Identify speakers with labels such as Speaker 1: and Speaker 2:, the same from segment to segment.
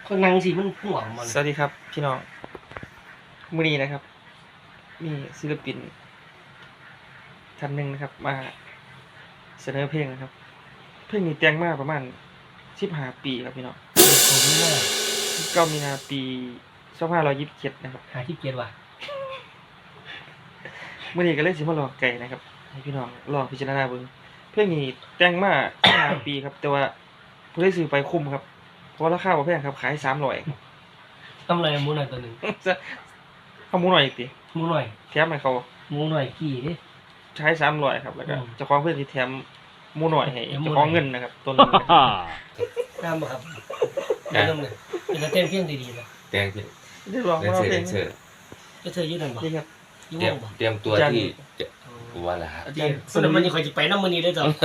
Speaker 1: คนนั่งสิมันห่วงมัน
Speaker 2: สวัสดีครับพี่น้องมื้อนี้นะครับมีศิลปินท่านหนึ่งนะครับมาเสนอเพลงนะครับเพลงนี้แต่งมาประมาณ15 ปีครับพี่น้อง
Speaker 1: ผมว่า
Speaker 2: 9 มีนาปี2527นะครับ
Speaker 1: หาที่เกียรว่ะ
Speaker 2: มื้อนี้ก็เลยสิมาลองไก่นะครับให้พี่น้องลองพิจารณาเบิ่งเพลงนี้แต่งมา15 ปีครับแต่ว่าผู้ได้ซื้อไปคุ้มครับเพราะราคาบ่แพงครับขาย300
Speaker 1: ทำอะไรหมูหน่อยตัวหนึ่ง
Speaker 2: เอาหมูหน่อยอีกติ
Speaker 1: หมูหน่อย
Speaker 2: แถมให้เขา
Speaker 1: หมูหน่อยกี่ดิ
Speaker 2: ใช้300ครับแล้วก็
Speaker 1: อืม
Speaker 2: เจ้าของเพื่อนที่แถมหมูหน่อยให้
Speaker 1: แถมหมู
Speaker 2: เจ้าของ
Speaker 1: หน่อย
Speaker 2: เงินนะครับต้นนึงนะครับ
Speaker 1: น้ำบ่ครับน้ำเลยเป็นกระเทียมเพียงดีๆนะ
Speaker 3: แดงเ
Speaker 2: ได้ลอง
Speaker 3: ด
Speaker 2: มา
Speaker 3: นเซอร์
Speaker 2: เพล
Speaker 3: แด
Speaker 2: ง
Speaker 3: นเซอร์
Speaker 1: ก็เธอยืดหน่อยบ่
Speaker 2: นี่ครับ
Speaker 1: ยุ่
Speaker 3: เตรียม
Speaker 1: งบ่
Speaker 3: เตรียมตัว
Speaker 2: อาจารย์
Speaker 3: ที่จะว่าละ
Speaker 2: อา
Speaker 1: เดี๋
Speaker 2: จาร
Speaker 1: ยว
Speaker 2: ย์
Speaker 1: ส่วนมันยังคอยจะไปน้ำมันนี้ได้จ้ะ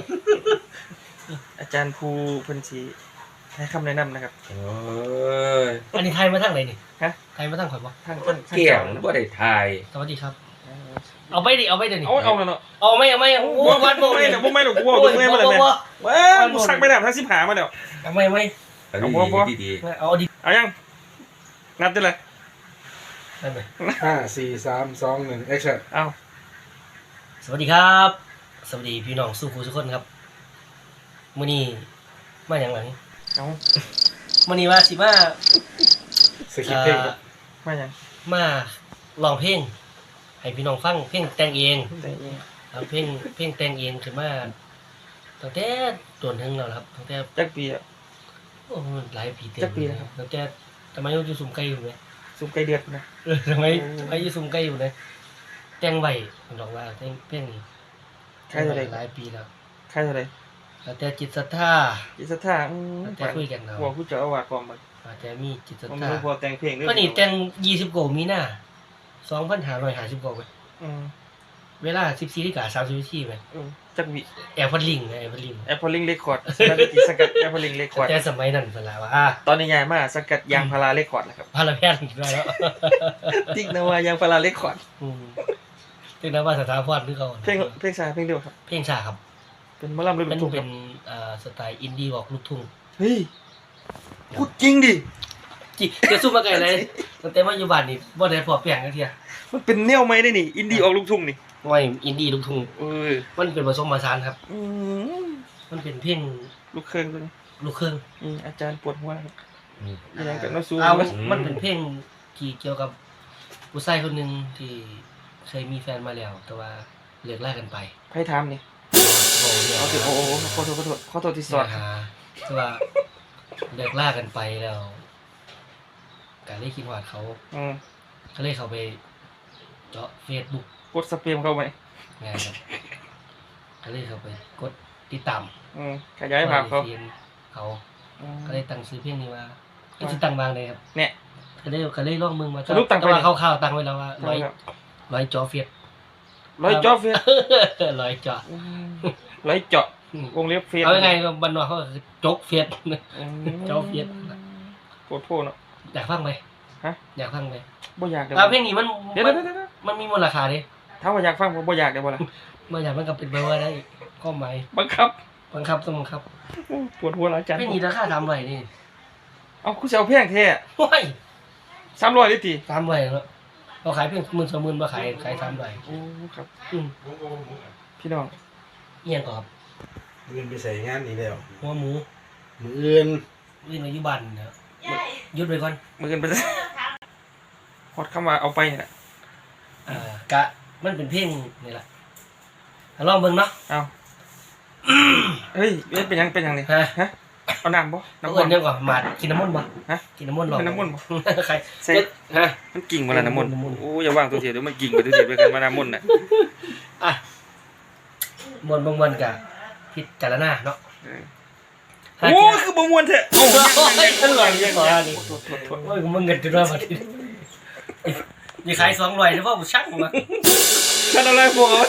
Speaker 2: อาจารย์ภูเพิ่นสิให้คำแนะนำนะครับ
Speaker 3: โอ้ย
Speaker 1: อันนี้ไทยมาทางไหนนี่
Speaker 2: ฮะ
Speaker 1: ไทยมาทางข่อยบ่
Speaker 2: ทาง
Speaker 3: เกี่ยงบ่ได้ทาย
Speaker 1: สวัสดีครับ เอาไปดิเอาไปเดี๋ยวนี้
Speaker 2: เอาแล้วเนาะ
Speaker 1: เอาไม่เอาไม่โอ้วันโม
Speaker 2: ไม่เดี๋ยวบ่ไม่หรอกกูบอกกูไม่มาเลยแม่ว้ากูซักไม่ได้ทั้ง10หามาแล้ว
Speaker 1: เอาไม่
Speaker 3: อัน
Speaker 2: เอา
Speaker 3: นี้
Speaker 2: บ่
Speaker 3: ดี
Speaker 1: เอาดิ
Speaker 2: เอายังนับได้เลย
Speaker 1: ได้ไหม
Speaker 4: 5 4 3 2 1 action
Speaker 2: เอา
Speaker 1: สวัสดีครับ สวัสดีพี่น้องสู้ครูทุกคนครับมื้อนี้มาอย่างไร
Speaker 2: เอา
Speaker 1: มื้อนี้ว่าสิมา
Speaker 4: สคริปต์เพลงครับ
Speaker 2: มายัง
Speaker 1: มาร้องเพลงให้พี่น้องฟังเพลงแต่งเอง
Speaker 2: แต่เอง
Speaker 1: เอาเพลงแต่งเองขึ้นมาตั้งแต่ต้นถึงแล้วครับตั้งแต่
Speaker 2: จักปีอะ
Speaker 1: โอ้หลายปีเต็ม
Speaker 2: จักปีแล้วครับ
Speaker 1: ตั้งแต่ทำไมอยู่สุ่มไก่อยู่ไหม
Speaker 2: สุมไก่เดือดนะ
Speaker 1: ทำไมอยู่สุ่มไก่อยู่ไหมแต่งไว้ผมบอกว่าเพลงนี้
Speaker 2: ใครเท่าไร
Speaker 1: หลายปีแล้ว
Speaker 2: ใครเท่าไร
Speaker 1: ตั้งแต่จิตศรัทธา
Speaker 2: จิตศรัทธา
Speaker 1: ตั้งแต่คุยกันเนาะ
Speaker 2: หัวผู้เจ้าอาวาสความมัน
Speaker 1: ตั้งแต่มีจิตศรัท
Speaker 2: ผม
Speaker 1: ธา
Speaker 2: ไม่พอแต่งเพลงด้วย
Speaker 1: ก็นี่แต่ง20กว่ามีนา2550กว่าไป เวลา14:30 นาทีไหม
Speaker 2: จักวิ
Speaker 1: แอร์พอดลิงแอร์พอดลิง
Speaker 2: แอปเปิลลิงเรคคอร์ดสถานที่สังกัดแอปเปิลลิงเรคคอร์ด
Speaker 1: แต่สมัยนั้นเวลาว่า
Speaker 2: ตอนนี้ย้ายมาสังกัดยางพาราเรคคอร์ดแล้วครับ
Speaker 1: พาราแพทย์ได้แล้ว
Speaker 2: ติ๊กนวายางพาราเรคคอร์ด
Speaker 1: ถึงนั้นว่าสถาพรคือเขา
Speaker 2: เพลงชาเพลงเดียวครับ
Speaker 1: เพลงชาครับ
Speaker 2: เป็นหมอลำฤดู
Speaker 1: มัน
Speaker 2: ทุ่งค
Speaker 1: เป็
Speaker 2: รับ
Speaker 1: นสไตล์อินดี้บอกลูกทุ่ง
Speaker 2: เฮ้ยพูดจริงดิ
Speaker 1: จิจะสู้มาไกลเลยตั้งแต่มาอยู่บ้านนี่บ่ได้พอเปลี่ยนกันเทีย
Speaker 2: มันเป็นแนวใหม่ได้นี่อินดี้ออกลูกทุ่งนี่
Speaker 1: ว่าอินดี้ลูกทุ่ง มันเป็นผสมผสานครับ
Speaker 2: อืม
Speaker 1: มันเป็นเพลง
Speaker 2: ลูกเครื่องตัวนี้
Speaker 1: ลูกเครื่อง
Speaker 2: อาจารย์ปวดหัวครับ
Speaker 3: ๆอืม
Speaker 2: ยังกับน้าซู
Speaker 1: มันเป็นเพลงที่เกี่ยวกับผู้ชายคนหนึ่งที่เคยมีแฟนมาแล้ว แต่ว่าเลิกลากันไป
Speaker 2: ไพ่ทามนี่เอาถึงโอ้ขอโทษที่สอด
Speaker 1: หาคือว่าเลิกล่ากันไปแล้วการได้คิดว่าเขา
Speaker 2: อืม
Speaker 1: เขาเลยเขาไปเจาะเฟซบุ๊ก
Speaker 2: กดสเปรมเข้าไป
Speaker 1: ไงครับเขาเลยเขาไปกดติดตาม
Speaker 2: ขยายภาพเขา
Speaker 1: ทีมเขา
Speaker 2: อืม
Speaker 1: ก็เลยตั้งซื้อเพลงนี้ว่าก็จะตั้งบางเลยครับ
Speaker 2: เนี่ย
Speaker 1: ก็เลยลองมึงมา
Speaker 2: สรุปตั้งไป
Speaker 1: แต่ว่าคร่าวๆตั้งไว้แล้วว่าร้อย
Speaker 2: ครับ
Speaker 1: เจาะเฟซ
Speaker 2: ร้อยเจาะเฟส
Speaker 1: ร้อยเจาะ
Speaker 2: ร้อยเจาะวงเล็บเฟส
Speaker 1: เอายังไงก็บรรดาเขาก็คือจกเฟซ เจาะเฟซ
Speaker 2: โคตรโพเนาะ
Speaker 1: อยากฟังไหม
Speaker 2: ฮะ
Speaker 1: อยากฟังไหม
Speaker 2: บ่อยากเดี๋ยว
Speaker 1: เพลงนี้มัน
Speaker 2: เดี๋ยว
Speaker 1: มันมีมูลค่าดิ
Speaker 2: ถ้าว่าอยากฟังผมบ่อยากเดี๋ยวบ่ล่ะ
Speaker 1: เมื่ออย่างมันก็เป็นไปว่าได้ข้อหมาย
Speaker 2: บังคับ
Speaker 1: บังคับต้องบังคับ
Speaker 2: ปวดหัวแล้วอาจารย์
Speaker 1: ไม่มีราคาทำไรนี่
Speaker 2: เอาคุณจะเอาแพงแท้
Speaker 1: ว้าย
Speaker 2: 300ลิตร
Speaker 1: ทำไรแล้วเราขายเพียง10,000 20,000มาขายทำไร
Speaker 2: โอ้ครับ
Speaker 1: อืม
Speaker 2: พี่น้อง
Speaker 1: เอียงก่อนครับ
Speaker 4: เงินไปใส่งานนี้แล้ว
Speaker 1: หัวหมู
Speaker 4: มืออื่น
Speaker 1: วิ่งในยุบันนะหยุดไปก่อน
Speaker 2: มือกันไปฮอดคำว่าเอาไปนี่แหละ
Speaker 1: กะมันเป็นเพลงนี่แหละลองเบิ่งเนาะ
Speaker 2: เอาเฮ้ยเป็นยังนี่
Speaker 1: ฮะ
Speaker 2: ฮะเอาน้ำบ่
Speaker 1: น้ำ
Speaker 2: น้ำ
Speaker 1: มั
Speaker 2: มัน น
Speaker 1: เดียวก่อนหมาดกินน้ำมันบ่
Speaker 2: ฮะ
Speaker 1: กินน้ำมันหรอ
Speaker 2: เป็นน้ำมันบ่
Speaker 1: ใคร
Speaker 2: ใส่
Speaker 1: ฮะ
Speaker 2: มันกิ่งมาแล้วน้ำมัน
Speaker 1: น้ำมัน
Speaker 2: โอ้อย่าวางตัวเสียเดี๋ยวมันกิ่งไปตัวเสียไปกันมาน้ำมันน่ะ
Speaker 1: อ่ะมวนบางวันกะพิจารณาเนาะ
Speaker 2: โอ้คือบ่ม่วนแท้โอ้ยังโทษ
Speaker 1: โอ้ยมึงเงินจุดว่ามาทีนี่ขาย200ได้ป่ะกูช่างมา
Speaker 2: ฉันอะไรบ่เอา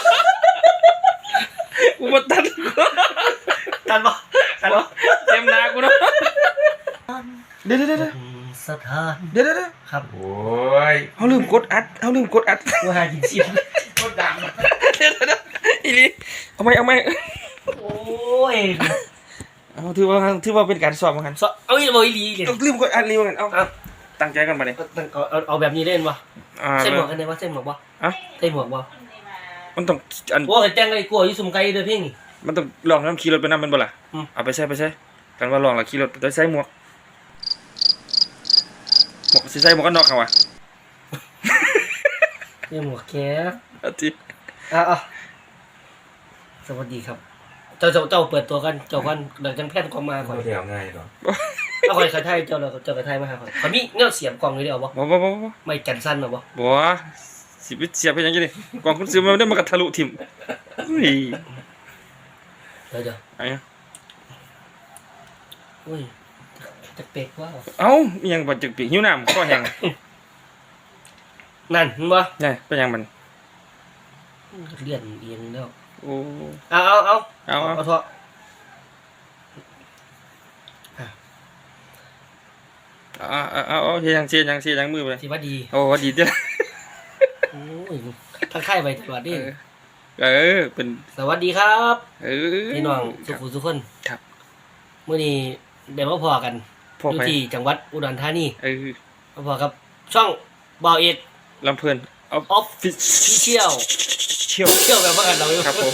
Speaker 2: กูบ่ตัด
Speaker 1: ทันป่ะ
Speaker 2: เต็มหน้ากูเนาะเดี๋ยว
Speaker 1: สถาน
Speaker 2: เดี๋ยว
Speaker 1: ครับ
Speaker 3: โอ้ย
Speaker 2: เขาลืมกดอัด
Speaker 1: กูหากินเสียง
Speaker 2: เดี๋ยวอีลีเอาไหม
Speaker 1: โอ้ย
Speaker 2: เอาถือว่าเป็นการสอบเหมือนกัน
Speaker 1: เอาอีบ่อีหลีเลย
Speaker 2: เอาลืมกดอันรีเหมือนกันเอา
Speaker 1: เอา
Speaker 2: ตั้งใจกันมาเนี่ย
Speaker 1: เอาแบบนี้เล่นบ่
Speaker 2: อ่า
Speaker 1: ใส่หมวกกันได้บ่ใส่หมวกบ่
Speaker 2: อ่ะ
Speaker 1: ใส่หมวกบ่
Speaker 2: มันต้องอัน
Speaker 1: โอ้ยแต่งไอ้กลัวอยู่ซุ่มไกลเด้อเพ่งนี่
Speaker 2: มันต้องลองน้ำขี่รถไปน้ำมันบ่ล่ะ
Speaker 1: อืม
Speaker 2: เอาไปใช้กันว่าลองแล้วขี่รถโดยใส่หมวกสิใส่หมวกกันน็อกเขาวะ
Speaker 1: ใส่หมวกแก
Speaker 2: อาทิ
Speaker 1: อ่ะสวัสดีครับ เจ้าเปิดตัวกันเจ้ากันเดี๋ยวจังแพทย์กองมาก่อน
Speaker 3: บ่ได้เอาง่ายหรอก
Speaker 1: เอาคอยไทยเจ้ากระไทยมาหาก่อนขอมีเงี้ยเสียบกล่องเลยเดียวบ่
Speaker 2: บ่
Speaker 1: ไม่กันสั้นหรอบ่
Speaker 2: บ่สิไปเสียบไปยังไงดิกล่องคุณซื้อมาได้มันก็ทะลุทิ่มอุ้ย
Speaker 1: เดี๋ยว
Speaker 2: ไอ้
Speaker 1: อุ้ยจะเป็กว่า
Speaker 2: เอ้ามีหยังบ่จึกปีกหิวน้ำคอแห้ง
Speaker 1: นั่นเห็นบ่
Speaker 2: นี่เป็นหยังมัน
Speaker 1: เลื่อนเอียงแล้ว
Speaker 2: โอ้
Speaker 1: เอาเถอะ
Speaker 2: เอาเฮ็ดหยังเสียหยังมือไป
Speaker 1: สิว่าดี
Speaker 2: โอ้ว่าดีเด้อ
Speaker 1: โอ้ยทักทายไปตลอดดิ
Speaker 2: เป็น
Speaker 1: สวัสดีครับ พี่น้อง
Speaker 2: ค
Speaker 1: สุ
Speaker 2: รับ
Speaker 1: ขุทุกคน
Speaker 2: ครับ
Speaker 1: มื้อนี้เดี๋ยวมาพอกัน
Speaker 2: พ่อ
Speaker 1: อยู่
Speaker 2: ไป
Speaker 1: ที่จังหวัดอุดรธานี
Speaker 2: เ
Speaker 1: มาพอกับช่องบ่าวเอก
Speaker 2: ลำเพลินเอา
Speaker 1: ออฟฟิเชียล
Speaker 2: เชี่ยว
Speaker 1: เที่ยวแบบว่ากันเราอยู่
Speaker 2: ครับผม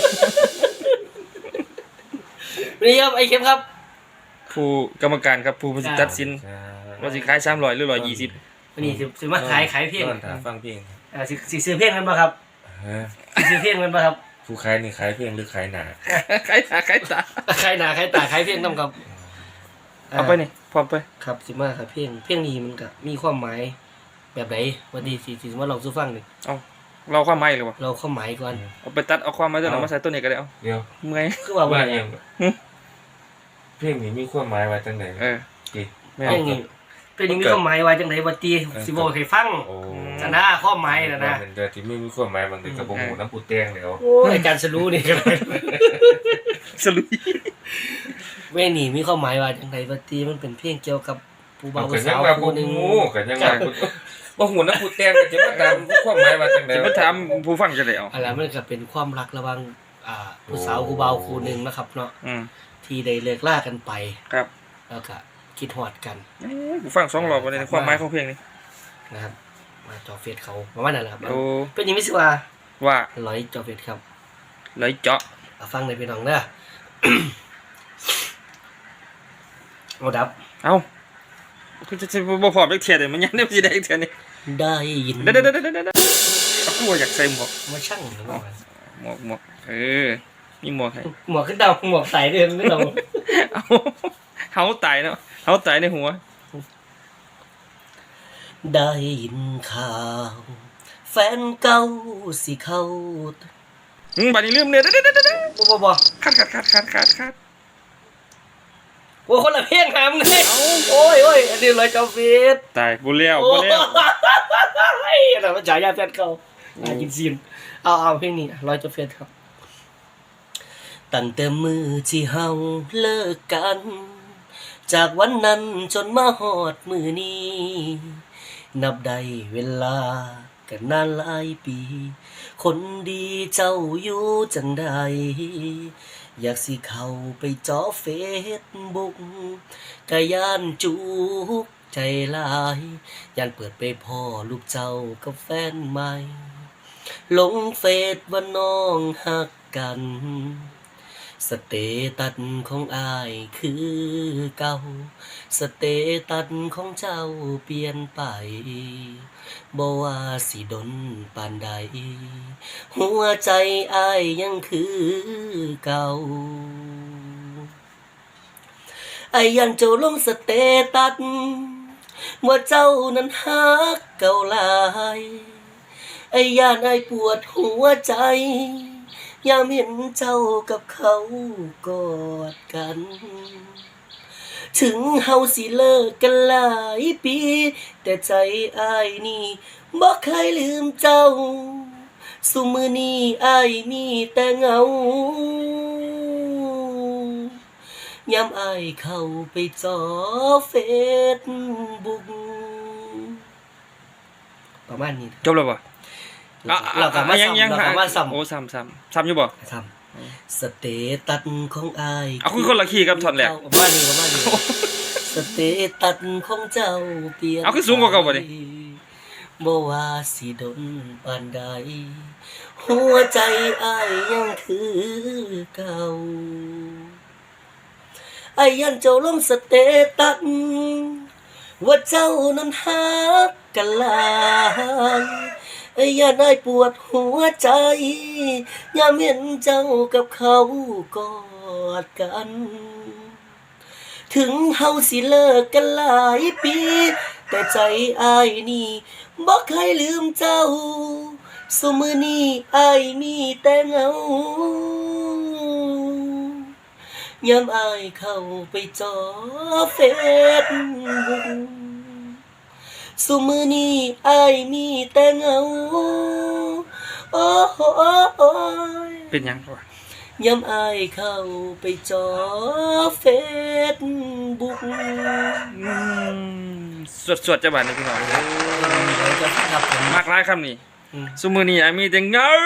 Speaker 1: วันนี้ครับไอ้เข้มครับ
Speaker 2: ผู้กรรมการครับผู้ตัดสินว่าสิขาย300หรือ120
Speaker 1: วันนี้สิมาขายเพลง
Speaker 3: นอนถาฟังเพลง
Speaker 1: สิซื้อเพลงกันป่ะครับ
Speaker 3: ฮะ
Speaker 1: สิซื้อเพลงกันป่ะครับ
Speaker 3: ผู้ขายนี่ขายเพลงหรือขายหนา
Speaker 2: ขายตา
Speaker 1: ขายหนาขายตาขายเพลงต้องกับ
Speaker 2: เอาไปนี่พร้อมไป
Speaker 1: ครับสิมาครับเพลงนี้มันก็มีความหมายแบบไหนวันนี้สิมาลองสู้ฟังหนึ่ง
Speaker 2: เอาเราความหมายเลยวะ
Speaker 1: เราความหมายก่อน
Speaker 2: เอาไปตัดเอาความหมายตัวนั้นมาใส่ตัวนี้ก็ได้เอา
Speaker 3: เดี๋ยว
Speaker 2: เมื่อย
Speaker 1: คือว่า
Speaker 3: ว่า
Speaker 1: ว่า
Speaker 3: อย่างเพลงนี้มีความหมายว่าจังไหน จิ
Speaker 2: แม่
Speaker 1: เพลงนี้เพลงนี้มีความหมายว่าจังไดว่าตีสิบอกให้ฟัง
Speaker 3: โอ้
Speaker 1: จะน่าความหมายนะนะ
Speaker 3: มันเดือที่ไม่มีความหมายบางทีกระบอกหมูน้ำปูแตงเดี๋ยว
Speaker 1: โอ้ยอาจารย์สรู้นี่ก็ได้
Speaker 2: สลุย
Speaker 1: เพลงนี้มีความหมายว่าจังไดว่าตีมันเป็นเพลงเกี่ยวกับผู้บ่าว
Speaker 3: กั
Speaker 1: ผู้
Speaker 3: นยั
Speaker 1: สาง ว
Speaker 3: ว่า
Speaker 1: คู่หนึง
Speaker 3: กันยังว่าบ่หูน้ำปูแตงกันจะมาตามความหมายว่าจังไหน
Speaker 2: จะมาถามผู้ฟังจะได้เอา
Speaker 1: อะไรมันก็เป็นความรักระหว่างผู้สาวผู้บ่าวคู่หนึงนะครับเนาะ ที่ได้เลิกลากันไป
Speaker 2: ครับ
Speaker 1: แล้วก็คิดฮอดกัน
Speaker 2: ผู้ฟัง2รอบบ่ได้ความหมายของเพลงนี้
Speaker 1: นะครับมาจอเฟซเขาประมาณนั้นแหละครับ
Speaker 2: โอ้
Speaker 1: เป็นยังไม่สิว่า
Speaker 2: ว่า
Speaker 1: ร้อยจอเฟซครับ
Speaker 2: เลยเจาะ
Speaker 1: เอาฟังในพี่น้องเด้อ เอาดับ
Speaker 2: เอาคือจะบ่พอเทียดเลยมันยังได้สิได้เทียนี่
Speaker 1: ได้ยิน
Speaker 2: เด้กูอยากใส่หมวก
Speaker 1: มาช่างหรือเปล่า
Speaker 2: หมวกมีหมวกให้
Speaker 1: หมวกขึ้นดาวหมวกใส่ด้วยไม่ต้อง
Speaker 2: เอาเฮาตายเนาะเฮาตายในหัว
Speaker 1: ได้ยินข่าว แฟนเก่าสิเข้า
Speaker 2: บัดนี้ลืมเนี่ยเด้อ
Speaker 1: บ่
Speaker 2: คัด
Speaker 1: โอ้คนละเพลงหามไงโอ้ยอันนี้ร้อยจอเฟซ
Speaker 2: ตายบ่แล้ว
Speaker 1: โอ้ยอันนั้นมันฉายาแฟนเก่ากินซีนเอาเพลงนี้ร้อยจอเฟซครับตั้งแต่มือที่เฮาเลิกกัน จากวันนั้นจนมาฮอดมือนี้ นับได้เวลากันนานหลายปี คนดีเจ้าอยู่จังใดอยากสิเข้าไปจอเฟซบุ๊กกะย่านจุกใจหลายย่านเปิดไปพ่อลูกเจ้ากับแฟนใหม่ ลงเฟซว่าน้องฮักกัน สเตตัสของอ้ายคือเก่าสเตตัสของเจ้าเปลี่ยนไปบ่ว่าสิดนปานใดหัวใจอ้ายยังคือเก่าอ้ายยันเจ้าลงสเตตัสว่าเจ้านั้นฮักเก่าหลายอ้ายยันอ้ายปวดหัวใจยามเห็นเจ้ากับเขากอดกัน ถึงเฮาสิเลิกกันหลายปี แต่ใจอ้ายนี่บ่เคยลืมเจ้า สุมื้อนี้อ้ายมีแต่เหงายามอ้ายเข้าไปจอเฟซบุ๊กประมาณนี้
Speaker 2: จบแล้วบ่
Speaker 1: เราก็มาซ้ำ
Speaker 2: ยัง
Speaker 1: เราก็มาซ้ำ
Speaker 2: โอ้ซ้ำอยู่บ่
Speaker 1: ซ้สเตตัสของอาย
Speaker 2: เอาคือคนละคีย์ครับท่อนแรก
Speaker 1: ประมาณนี้สเตตัสของเจ้าเปลี่ยน
Speaker 2: เอาคือสูงกว่าเก่าบ่ดิ
Speaker 1: บ่ว่าสิดนปานใดหัวใจอายยังคือเก่าอายยันเจ้าลงสเตตัสว่าเจ้านั้นฮักกันหลายอายยันอายปวดหัวใจยามเห็นเจ้ากับเขากอดกัน ถึงเฮาสิเลิกกันหลายปี แต่ใจอายนี่บ่เคยลืมเจ้าซุมื้อนี้อายมีแต่เหงายามอายเข้าไปจอเฟซบุ๊กซุมื้อนี้อายมีแต่เหงาโอ้ย
Speaker 2: เป็นหยังวะ
Speaker 1: ยามอายเข้าไปจอเฟซบุ๊ก
Speaker 2: สวดๆจะบาดนี่พี่น้อง
Speaker 1: เราจะขับผม
Speaker 2: มากหลายคำนี่
Speaker 1: อืม
Speaker 2: ซุมื้อนี้มีแต่เหงา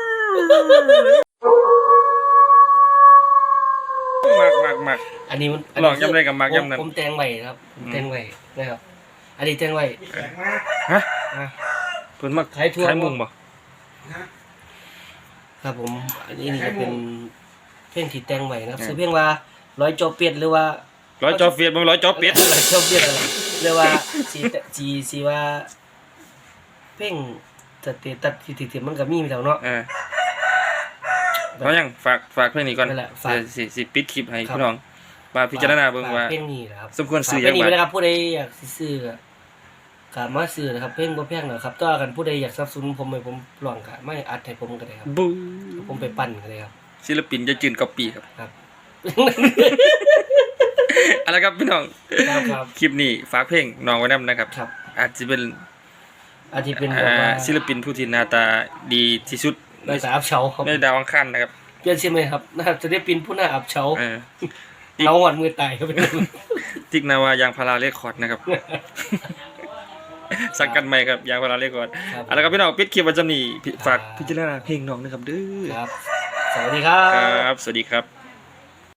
Speaker 2: มัก
Speaker 1: อันนี้มัน
Speaker 2: ลองย้ำเลยกับมักย้ำนั้น
Speaker 1: ผมแต่งไว้ครับผมแต่งไว้นะครับ อันนี้แต่งไว้
Speaker 2: ฮะ
Speaker 1: อ่ะ
Speaker 2: เพิ่นมัก
Speaker 1: ขายทั่ว
Speaker 2: ขายมุงบ่
Speaker 1: ครับผมอันนี้นี่ก็เป็นเพลงที่แต่งไว้นะครับชื่อเพลงว่าร้อยจอเป็ดหรือว่า
Speaker 2: ร้อยจอเฟียดบ่ร้อยจอเป็ด
Speaker 1: ร้อยจอเป็ดอะไรเรียกว่าสีว่าเพลงตัดที่มันก็มีอยู่แล้วเนาะ
Speaker 2: เพราะยังฝากเพลงนี้ก่อน
Speaker 1: นั่นแหละฝาก
Speaker 2: สิปิดคลิปให้
Speaker 1: ครับ
Speaker 2: พี่น้องมาพิจารณาเบิ่งว่า
Speaker 1: เพลงนี้นะครับ
Speaker 2: สมควรซื้อ
Speaker 1: เพลงนี้
Speaker 2: จังหวัด
Speaker 1: ไว้นะครับผู้ใดอยากสิซื้อก็มาซื้อนะครับเพลงบ่แพงหรอกครับต่อกันผู้ใดอยากสนับสนุนผมให้ผมร้องก็ไม่อัดให้ผมก็ได้ครับ
Speaker 2: บู
Speaker 1: ผมไปปั้นก็ได้ครับ
Speaker 2: ศิลปินจะจืนก๊อปปี้ครับ
Speaker 1: ครับ
Speaker 2: เอาละครับพี่น้อง
Speaker 1: ครับ
Speaker 2: คลิปนี้ฝากเพลงน้องไว้นำนะครับ
Speaker 1: ครับ
Speaker 2: อาจจะเป็น
Speaker 1: อาจจะเป็นแบบว่า
Speaker 2: ศิลปินผู้ที่หน้าตาดีที่สุด
Speaker 1: ในสายอับเฉาครับ
Speaker 2: ในดาวอังคารนะครับ
Speaker 1: เปลี่ยนชื่อไหมครับนะครับจะได้เป็นผู้หน้าอับเฉา
Speaker 2: เออ
Speaker 1: เอาหวัดมือตายครับ
Speaker 2: ทิกนาวายางพาราเรคคอร์ดนะครับ สังกันใหม่ครับยางพาราเรคคอร์ด
Speaker 1: ครับ
Speaker 2: เอาละครับพี่น้องปิดคลิปวันจำนี้ฝาก
Speaker 1: ครับ
Speaker 2: พิจารณาเพลงน้องนะครับเด้อ
Speaker 1: ครับ สวัสดีครับ
Speaker 2: ครับ สวัสดีครับ